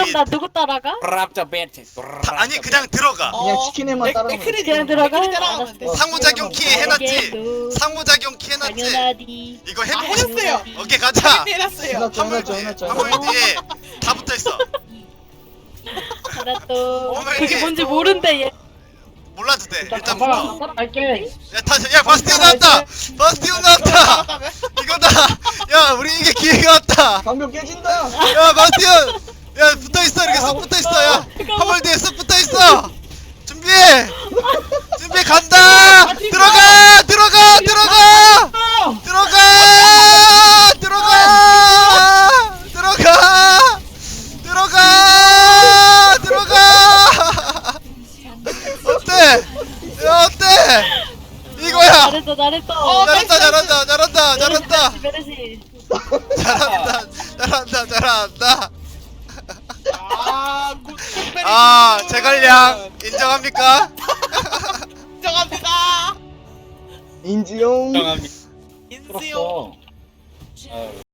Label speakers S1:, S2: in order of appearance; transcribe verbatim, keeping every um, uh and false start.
S1: 그럼 나 누구 따라가?
S2: 브랍더 배트.
S3: 다, 아니 그냥 들어가.
S4: 그냥 치킨에만 따라가면
S5: 맥크리
S1: 그냥 들어가?
S5: 따라가면 돼.
S1: 알았어.
S3: 상호작용 키 해놨지.
S1: 알겠어.
S3: 상호작용 키 해놨지.
S1: 당연하디.
S3: 이거
S5: 아
S3: 해보고 싶.
S5: 해놨어요.
S3: 오케이 가자.
S5: 해놨어요.
S4: 해놨죠
S3: 화물
S4: 해놨죠
S3: 뒤에
S4: 해놨죠
S3: 화물 뒤에 다 붙어 있어.
S1: 알았어.
S3: 어머,
S1: 그게
S3: 이게-
S1: 뭔지 모른대 얘.
S3: 몰라도 돼. 일단
S2: 가봐.
S3: 붙어.
S2: 따라갈게.
S3: 야 다시 야 바스티온 나왔다. 바스티온 나왔다. 이거다. 야 우리 이게 기회가 왔다.
S4: 방벽 깨진다.
S3: 야 바스티온. 야 붙어 있어 이렇게 쏙 붙어 있어. 야 화물 뒤에 쏙 붙어 있어. 준비해. 준비 간다. 들어가 들어가 들어가 들어가 들어가 들어가 들어가 들어가. 어때? 야 어때? 이거야.
S1: 잘했어 잘했어.
S5: 어,
S3: 잘한다 잘한다 잘한다 잘한다
S1: 베르시.
S3: 잘한다 잘한다 잘한다.
S5: 아, 굿, 굿베리
S3: 아
S5: 굿.
S3: 제갈량 인정합니까?
S5: 인정합니다.
S4: 인지용.
S2: 정합니다.
S5: 인수용.
S2: 풀었어. 어.